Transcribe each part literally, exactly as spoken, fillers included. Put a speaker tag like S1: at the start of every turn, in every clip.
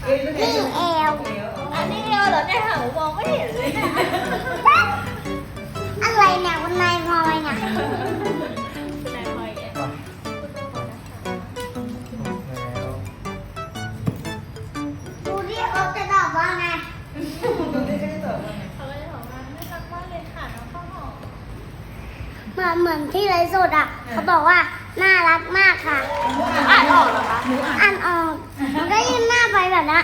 S1: นี่เอว
S2: อันนี้เอวเหรอเนี่ยหามองไม่เห็นเลยเนี่ย
S1: อะไรเนี่ยคุณนายพลอยเนี่ย
S2: นายพลอยแก
S3: แล้ว
S1: ดูที่เขาจะตอบว่าไง
S2: เขาก็จะบอกว่าน่ารักมากเลยค่ะน้องข้าวหอม
S1: เหมือนเหมือนที่ไรสุดอ่ะ เขาบอกว่าน่ารักมากค่ะ
S2: อ่านออกเหรอคะ
S1: อ่านออกมันก็ยื่นหน้าไปแบบนั้น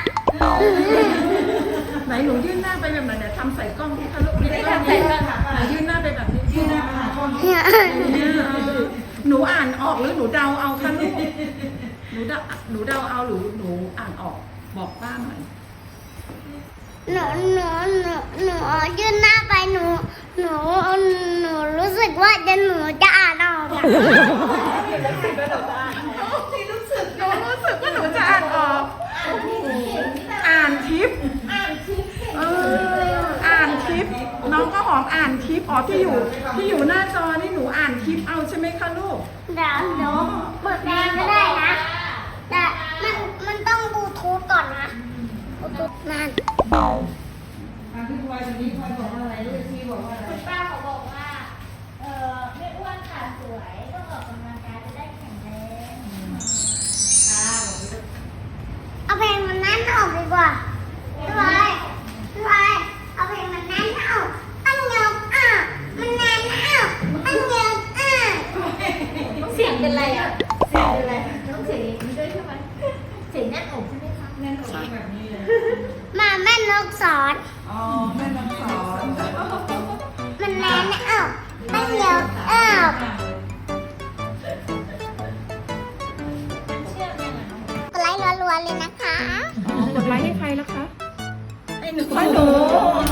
S4: ไหนหนูยื่นหน้าไปแบบไหนเดี๋ยวทำใส่กล้องที่คะลูก
S2: ไม่ได้ทำใส่กล้องค่ะ
S4: หนูยื่นหน้าไปแบบนี้ยื่นหน้าไปหากล้อง
S1: เนี่ย
S4: หนูอ่านออกหรือหนูเดาเอาคะลูกหนูเดาหนูเดาเอาหรือหนูอ่านออกบอกป้าหน่อย
S1: หนูหนูหนูหนูยื่นหน้าไปหนูหนูหนูรู้สึกว่าจะหนูจะอ่านออกอะ
S4: หนูรู้สึกว่าหนูจะอ่านออกอ่านทิปเอออ่านทิปน้องก็หอมอ่านทิปอ๋อที่อยู่ที่อยู่หน้าจอนี่หนูอ่านทิปเอาใช่ไหมคะลูก
S1: เดี๋ยวเดี๋ยวเปิดแรงก็ได้นะ แต่มันมันต้องบลูทูธก่อนนะบลูทูธนั่น
S2: คุณป้าเขาบอกว่า เออไม่อ้วนค่ะสวยต้องออกกำลังกายจะได้แข็งแรงค่ะ
S1: เอาเพลงมันนั้นออกดีกว่าพี่ไว้พี่ไว้เอาเพลงมันนั้นออกตั้งยกอ่ะมันนั้นออกตั้งยกอ่ะ
S2: เสียงเป็นไรอ่ะเสียงเป็นไรต้องเสียงอย่างนี้ด้วยใช่ไหมเสียงแน่นอกใช่ไหมคะแน่นอกแบบนี้เลย
S1: มาแม่นกสอน
S4: อ๋อแม่น้องสอน
S1: มันนั้นออกตั้งยกออก
S2: เชื่อไหมล่ะน้อง
S1: กดไลค์รัวๆเลยนะคะ
S4: กดไลค์ให้ใครแล้วคะให้หนูให้หนู